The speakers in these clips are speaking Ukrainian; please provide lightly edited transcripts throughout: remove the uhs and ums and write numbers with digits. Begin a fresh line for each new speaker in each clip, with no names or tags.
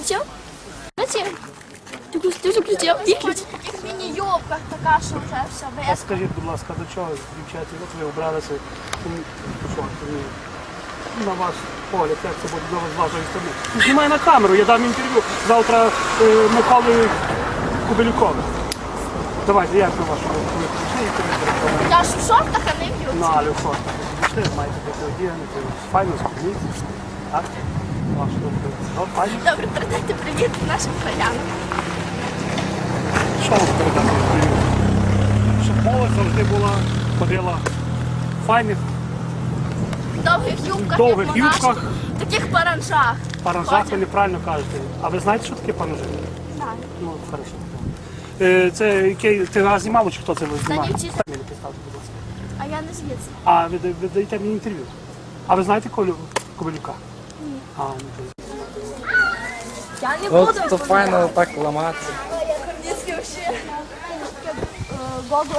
включив? Включив. Ти вже включив? І включив.
В таких міні-юбках така, що вже все
А
виско.
скажіть, будь ласка, до чого, дівчата, от ви обралися, на ваш погляд, як це буде з вашої сторони? Знімай на камеру, я дам інтерв'ю завтра Миколі Кубелюкові. Давайте, як на вашу думку, ви прийшли інтерв'ю?
Я ж в шортах, а не в юбці.
Ну, але в шортах. Пішли, маєте бути одягнути, файно спідниці. Так? Вашу думку. Ну, файно.
Добре, передайте привіт нашим краянам.
Що вам передати привіт? Щоб молодь завжди була, ходила в файних
В довгих юбках,
довгих
як монашки,
юбках.
в таких паранжах.
паранжах, ви неправильно кажете. А ви знаєте, що таке паранжи?
Так.
Ну, хорошо. Це який ти нас знімав, чи хто це ви знімав?
Станівці.
Мені представте, будь ласка.
А я не звідси.
А ви даєте мені інтерв'ю? А ви знаєте Колю Кобилюка? Ні. А, ну, то...
Я не буду.
От то файно так ламатися.
Корніцький взагалі. Google.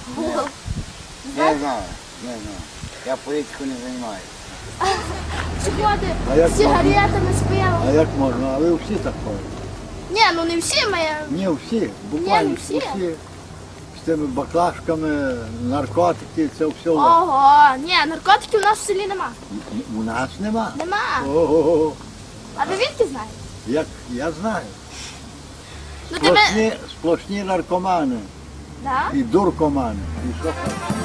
Не знаю, не знаю. Я політику не займаюся.
Приходи
А як
з сигаретами, з пивом.
А як можна? А ви всі так ходите?
Ні, ну не всі ми.
Ні, всі, буквально
Ні, не всі.
З тими баклажками, наркотики, це все.
Ого, ні, наркотиків у нас в селі нема.
У нас нема.
Нема.
Ого,
А ви відки знаєте?
як я знаю.
Ну тебе.
Сплошні наркомани
Да?
і дуркомани. І що хочеш.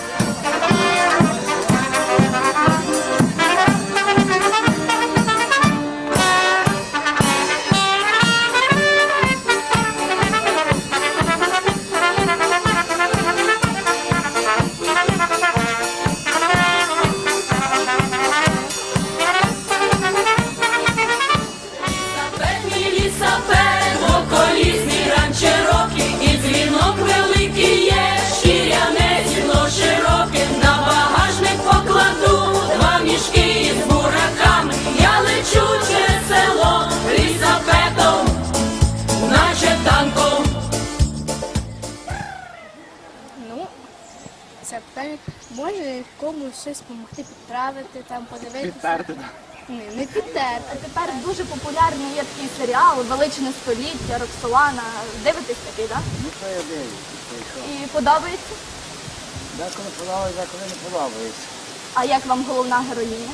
Лісапед, околісний ранчерокий, і дзвінок великий є, шкіряне зіно широке, на багажник покладу два мішки із бураками, я лечу через село лісапедом, наче танком.
Ну, це питання. Може комусь щось допомогти підправити, там подивитися.
Підтерти.
Ні, не підтерти.
А тепер дуже популярний є такий серіал «Величне століття», Роксолана. Дивитесь такий, так?
Ну що я дивлюся, це що?
І подобається?
Деколи подобається, деколи не подобається.
А як вам головна героїня?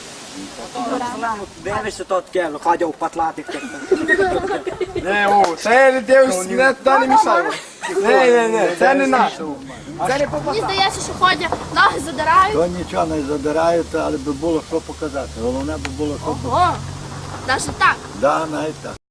Дивишся, то таке, ходять у патлатих тих.
Не, о, це не дивишся, не туди не мішай. Не, це не наше. Це не
Мені здається, що ходять, ноги задирають.
То нічого не задирають, але би було що показати. Головне би було, щоб...
Ого, навіть так.
Да, навіть так.